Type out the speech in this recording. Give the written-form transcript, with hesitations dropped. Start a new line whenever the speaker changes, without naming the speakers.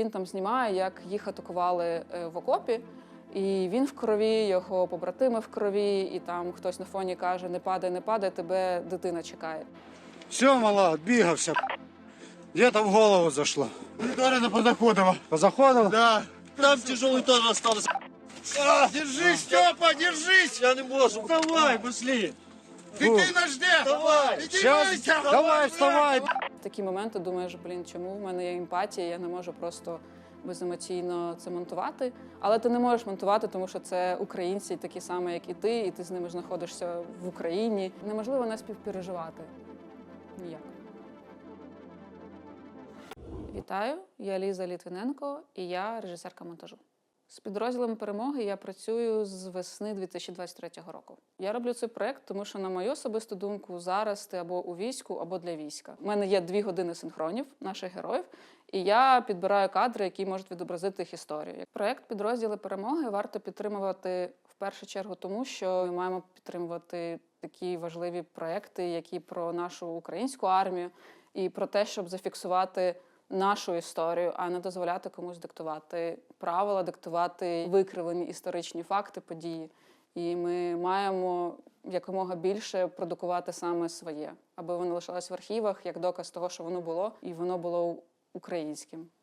Він там знімає, як їх атакували в окопі, і він в крові, його побратими в крові, і там хтось на фоні каже: не падай, не падай, тебе дитина чекає.
Все, мала, отбегався. Где-то в голову зашло.
Ударено позаходово.
Позаходил?
Да. Там тяжелый тоже остался. Держись, Степа, держись!
Я не можу.
Давай, пошли. Дитина жде!
Давай.
Підіймайся!
Сейчас, давай, вставай.
В такі моменти думаєш, чому в мене є емпатія, я не можу просто беземоційно це монтувати. Але ти не можеш монтувати, тому що це українці такі самі, як і ти з ними знаходишся в Україні. Неможливо не співпереживати. Ніяк. Вітаю, я Ліза Літвиненко і я режисерка монтажу. З підрозділом «Перемоги» я працюю з весни 2023 року. Я роблю цей проєкт, тому що, на мою особисту думку, зараз ти або у війську, або для війська. У мене є 2 години синхронів наших героїв, і я підбираю кадри, які можуть відобразити їх історію. Проєкт «Підрозділи Перемоги» варто підтримувати в першу чергу тому, що ми маємо підтримувати такі важливі проєкти, які про нашу українську армію і про те, щоб зафіксувати нашу історію, а не дозволяти комусь диктувати правила, диктувати викривлені історичні факти, події. І ми маємо якомога більше продукувати саме своє, аби воно лишалось в архівах як доказ того, що воно було, і воно було українським.